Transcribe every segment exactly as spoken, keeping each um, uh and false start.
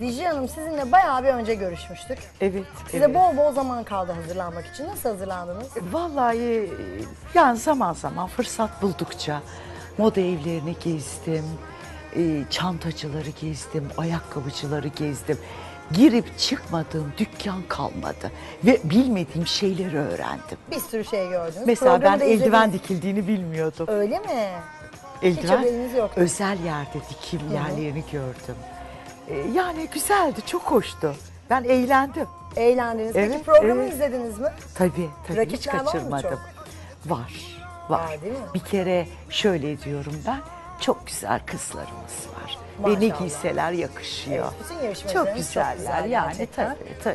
Dicle Hanım, sizinle bayağı bir önce görüşmüştük. Evet. Size evet. bol bol zaman kaldı hazırlanmak için. Nasıl hazırlandınız? Vallahi yani zaman zaman fırsat buldukça moda evlerini gezdim, e, çantacıları gezdim, ayakkabıcıları gezdim. Girip çıkmadığım dükkan kalmadı ve bilmediğim şeyleri öğrendim. Bir sürü şey gördünüz. Mesela Programı ben da eldiven izlediniz. dikildiğini bilmiyordum. Öyle mi? Hiç Eldiven haberiniz yok. özel yerde dikim yerlerini gördüm. E, yani güzeldi, çok hoştu. Ben eğlendim. Eğlendiniz. Peki Evet, programı evet. izlediniz mi? Tabii tabii hiç Rakipler var mı kaçırmadım. çok? Var, var. Var, değil mi? Bir kere şöyle diyorum ben, çok güzel kızlarımız var. Ve ne Maşallah. giyseler yakışıyor. Evet, bütün yarışmacılarımız çok güzeller çok güzel yani gerçekten. tabii tabii.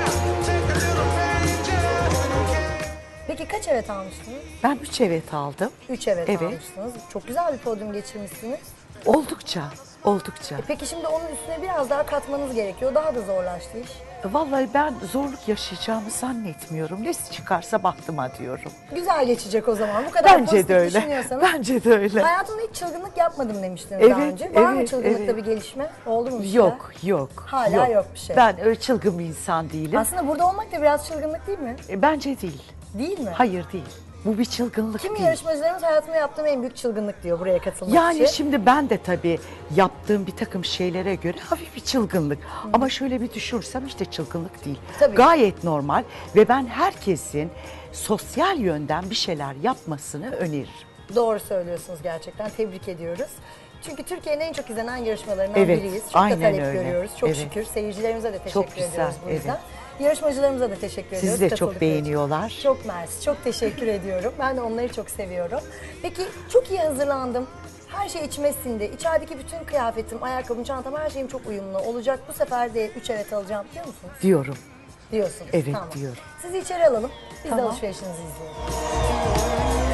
Peki kaç evet almıştınız? Ben üç evet aldım. Üç evet, Evet. almıştınız. Çok güzel bir podyum geçirmişsiniz. Oldukça, oldukça. E peki şimdi onun üstüne biraz daha katmanız gerekiyor. Daha da zorlaştı iş. Vallahi ben zorluk yaşayacağımı zannetmiyorum. Ne çıkarsa baktıma diyorum. Güzel geçecek o zaman. Bu kadar Bence pozitif de öyle. düşünüyorsanız. Bence de öyle. Hayatımda hiç çılgınlık yapmadım demiştiniz daha Evet, önce. Var mı evet, çılgınlıkta evet. bir gelişme? Oldu mu bir şey? Yok, yok. Hala yok bir şey. Ben öyle çılgın bir insan değilim. Aslında burada olmak da biraz çılgınlık değil mi? E, Bence değil. Değil mi? Hayır değil. Bu bir çılgınlık Kimi değil. yarışmacılarımız hayatımda yaptığım en büyük çılgınlık diyor buraya katılmak Yani için. şimdi ben de tabii yaptığım bir takım şeylere göre hafif bir çılgınlık. Ama şöyle bir düşünürsem işte çılgınlık değil. Tabii. Gayet normal ve ben herkesin sosyal yönden bir şeyler yapmasını öneririm. Doğru söylüyorsunuz gerçekten. Tebrik ediyoruz. Çünkü Türkiye'nin en çok izlenen yarışmalarından Evet, biriyiz. Çok aynen da talep öyle. görüyoruz. Çok Evet. şükür. Seyircilerimize de teşekkür Çok güzel, ediyoruz bu yüzden. evet. Yarışmacılarımıza da teşekkür ediyoruz. Sizi de çok katıldıkları için. beğeniyorlar. Çok mersi. Çok teşekkür ediyorum. Ben de onları çok seviyorum. Peki çok iyi hazırlandım. Her şey içime sindi. İçerideki bütün kıyafetim, ayakkabım, çantam, her şeyim çok uyumlu olacak. Bu sefer de üç evet alacağım diyor musunuz? Diyorum. Diyorsunuz. Evet, Tamam. diyorum. Sizi içeri alalım. Biz de Tamam. alışverişinizi izleyelim.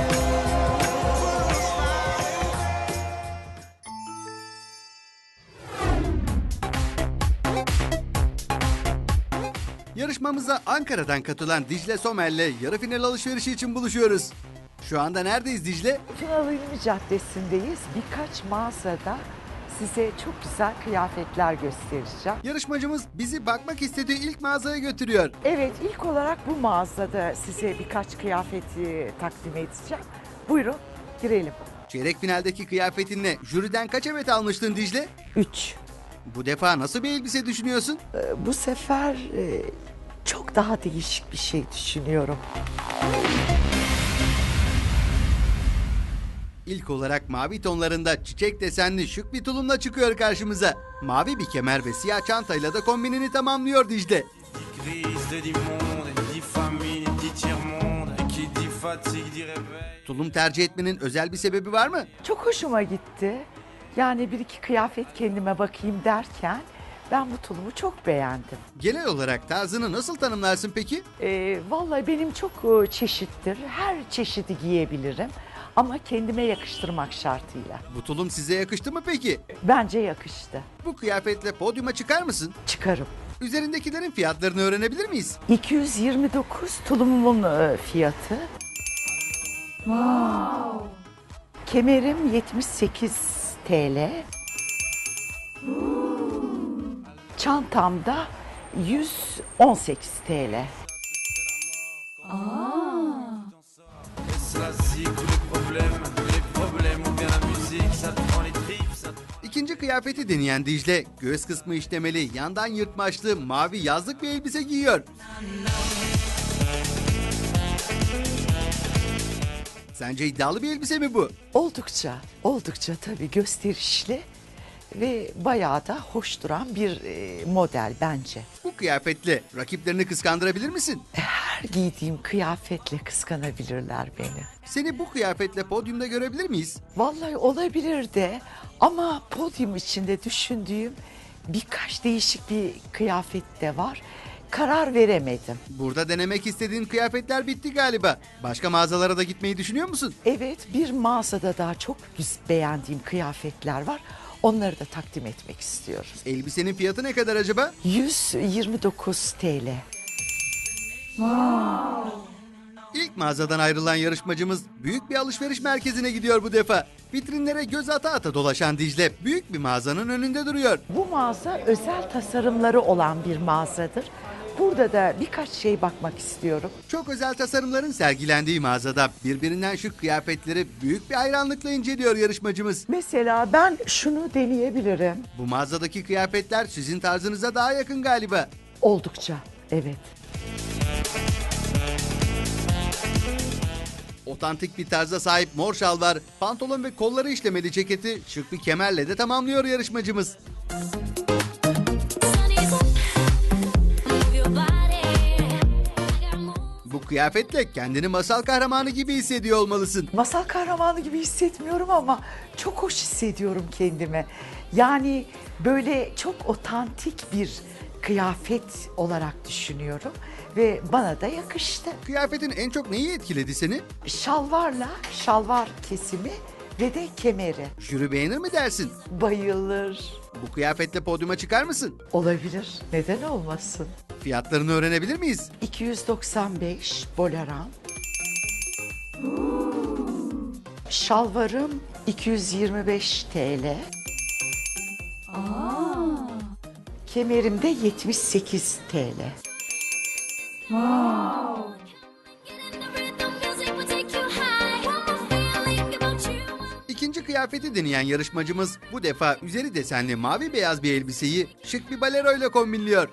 Yarışmamıza Ankara'dan katılan Dicle Somer'le yarı final alışverişi için buluşuyoruz. Şu anda neredeyiz Dicle? Tunalı Ünlü Caddesi'ndeyiz. Birkaç mağazada size çok güzel kıyafetler göstereceğim. Yarışmacımız bizi bakmak istediği ilk mağazaya götürüyor. Evet, ilk olarak bu mağazada size birkaç kıyafeti takdim edeceğim. Buyurun, girelim. Çeyrek finaldeki kıyafetinle jüriden kaç evet almıştın Dicle? Üç. Bu defa nasıl bir elbise düşünüyorsun? Ee, Bu sefer e, çok daha değişik bir şey düşünüyorum. İlk olarak mavi tonlarında çiçek desenli şık bir tulumla çıkıyor karşımıza. Mavi bir kemer ve siyah çantayla da kombinini tamamlıyor Dicle. Tulum tercih etmenin özel bir sebebi var mı? Çok hoşuma gitti. Yani bir iki kıyafet kendime bakayım derken ben bu tulumu çok beğendim. Genel olarak tarzını nasıl tanımlarsın peki? Ee, vallahi benim çok e, çeşittir. Her çeşidi giyebilirim. Ama kendime yakıştırmak şartıyla. Bu tulum size yakıştı mı peki? Bence yakıştı. Bu kıyafetle podyuma çıkar mısın? Çıkarım. Üzerindekilerin fiyatlarını öğrenebilir miyiz? iki yüz yirmi dokuz tulumumun e, fiyatı. Wow. Kemerim yetmiş sekiz TL. Çantamda yüz on sekiz TL. İkinci kıyafeti deneyen Dicle, göğüs kısmı işlemeli, yandan yırtmaçlı, mavi yazlık bir elbise giyiyor. Sence iddialı bir elbise mi bu? Oldukça, oldukça tabii gösterişli ve bayağı da hoş duran bir e, model bence. Bu kıyafetle rakiplerini kıskandırabilir misin? Her giydiğim kıyafetle kıskanabilirler beni. Seni bu kıyafetle podyumda görebilir miyiz? Vallahi olabilir de ama podyum içinde düşündüğüm birkaç değişik bir kıyafet de var. Karar veremedim. Burada denemek istediğin kıyafetler bitti galiba. Başka mağazalara da gitmeyi düşünüyor musun? Evet, bir mağazada daha çok güz- beğendiğim kıyafetler var. Onları da takdim etmek istiyorum. Elbisenin fiyatı ne kadar acaba? yüz yirmi dokuz TL. İlk mağazadan ayrılan yarışmacımız büyük bir alışveriş merkezine gidiyor bu defa. Vitrinlere göz ata ata dolaşan Dicle büyük bir mağazanın önünde duruyor. Bu mağaza özel tasarımları olan bir mağazadır. Burada da birkaç şey bakmak istiyorum. Çok özel tasarımların sergilendiği mağazada birbirinden şık kıyafetleri büyük bir hayranlıkla inceliyor yarışmacımız. Mesela ben şunu deneyebilirim. Bu mağazadaki kıyafetler sizin tarzınıza daha yakın galiba. Oldukça, evet. Otantik bir tarza sahip mor şalvar, pantolon ve kolları işlemeli ceketi şık bir kemerle de tamamlıyor yarışmacımız. Bu kıyafetle kendini masal kahramanı gibi hissediyor olmalısın. Masal kahramanı gibi hissetmiyorum ama çok hoş hissediyorum kendimi. Yani böyle çok otantik bir kıyafet olarak düşünüyorum ve bana da yakıştı. Kıyafetin en çok neyi etkiledi seni? Şalvarla, şalvar kesimi ve de kemeri. Jüri beğenir mi dersin? Bayılır. Bu kıyafetle podyuma çıkar mısın? Olabilir. Neden olmasın? Fiyatlarını öğrenebilir miyiz? iki yüz doksan beş boleran. Şalvarım iki yüz yirmi beş T L. Kemerim de yetmiş sekiz T L. İkinci kıyafeti deneyen yarışmacımız bu defa üzeri desenli mavi beyaz bir elbiseyi şık bir baleroyla kombinliyor.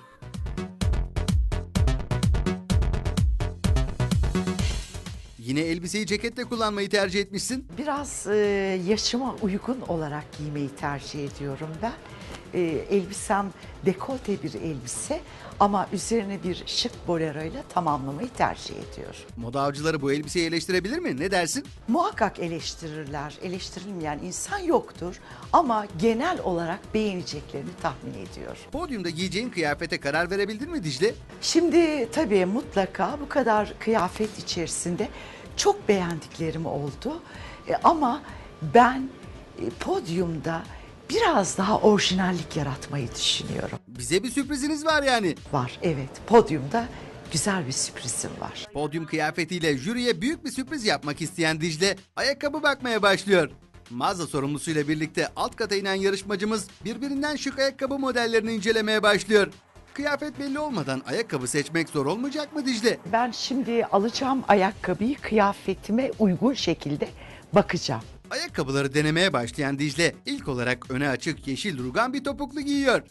Yine elbiseyi ceketle kullanmayı tercih etmişsin. Biraz e, yaşıma uygun olarak giymeyi tercih ediyorum ben. E, elbisem dekolte bir elbise ama üzerine bir şık boleroyla tamamlamayı tercih ediyorum. Moda avcıları bu elbiseyi eleştirebilir mi? Ne dersin? Muhakkak eleştirirler. Eleştirilmeyen insan yoktur ama genel olarak beğeneceklerini tahmin ediyor. Podyumda giyeceğin kıyafete karar verebildin mi Dicle? Şimdi tabii mutlaka bu kadar kıyafet içerisinde çok beğendiklerim oldu. E, ama ben e, podyumda biraz daha orijinallik yaratmayı düşünüyorum. Bize bir sürpriziniz var yani. Var, evet. Podyumda güzel bir sürprizim var. Podyum kıyafetiyle jüriye büyük bir sürpriz yapmak isteyen Dicle ayakkabı bakmaya başlıyor. Mağaza sorumlusuyla birlikte alt kata inen yarışmacımız birbirinden şık ayakkabı modellerini incelemeye başlıyor. Kıyafet belli olmadan ayakkabı seçmek zor olmayacak mı Dicle? Ben şimdi alacağım ayakkabıyı kıyafetime uygun şekilde bakacağım. Ayakkabıları denemeye başlayan Dicle ilk olarak öne açık yeşil rugan bir topuklu giyiyor.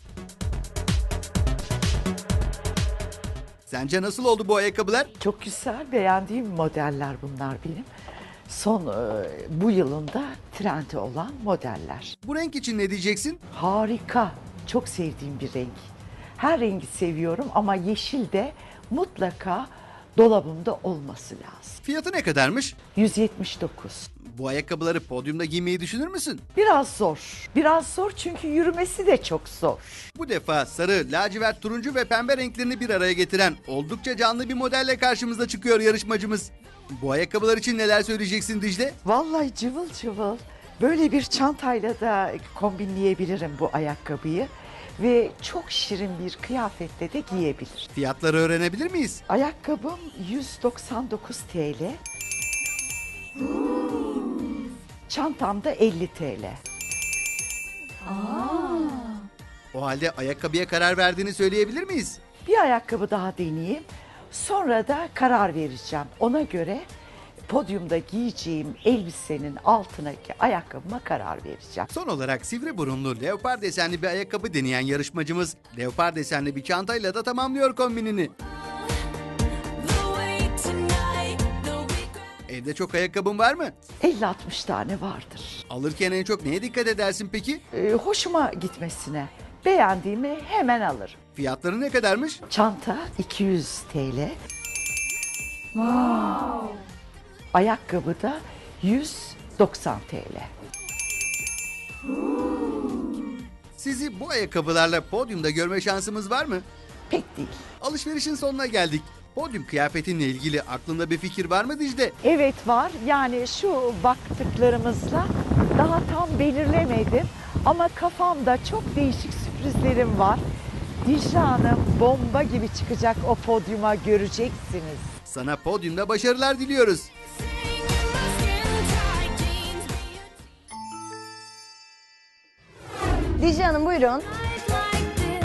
Sence nasıl oldu bu ayakkabılar? Çok güzel, beğendiğim modeller bunlar benim. Son e, bu yılında trendi olan modeller. Bu renk için ne diyeceksin? Harika, çok sevdiğim bir renk. Her rengi seviyorum ama yeşil de mutlaka dolabımda olması lazım. Fiyatı ne kadarmış? yüz yetmiş dokuz. Bu ayakkabıları podyumda giymeyi düşünür müsün? Biraz zor. Biraz zor çünkü yürümesi de çok zor. Bu defa sarı, lacivert, turuncu ve pembe renklerini bir araya getiren oldukça canlı bir modelle karşımıza çıkıyor yarışmacımız. Bu ayakkabılar için neler söyleyeceksin Dicle? Vallahi cıvıl cıvıl. Böyle bir çantayla da kombinleyebilirim bu ayakkabıyı. Ve çok şirin bir kıyafetle de giyebilir. Fiyatları öğrenebilir miyiz? Ayakkabım yüz doksan dokuz T L. Çantamda elli T L. O halde ayakkabıya karar verdiğini söyleyebilir miyiz? Bir ayakkabı daha deneyeyim. Sonra da karar vereceğim. Ona göre podyumda giyeceğim elbisenin altındaki ayakkabıma karar vereceğim. Son olarak sivri burunlu leopar desenli bir ayakkabı deneyen yarışmacımız leopar desenli bir çantayla da tamamlıyor kombinini. Evde çok ayakkabın var mı? elli altmış tane vardır. Alırken en çok neye dikkat edersin peki? Ee, hoşuma gitmesine, beğendiğimi hemen alırım. Fiyatları ne kadarmış? Çanta iki yüz T L. Ayakkabı da yüz doksan T L. Sizi bu ayakkabılarla podyumda görme şansımız var mı? Pek değil. Alışverişin sonuna geldik. Podyum kıyafetinle ilgili aklında bir fikir var mı Dicle? Evet var. Yani şu baktıklarımızla daha tam belirlemedim. Ama kafamda çok değişik sürprizlerim var. Dicle Hanım bomba gibi çıkacak o podyuma, göreceksiniz. Sana podyumda başarılar diliyoruz. Dicle Hanım buyurun.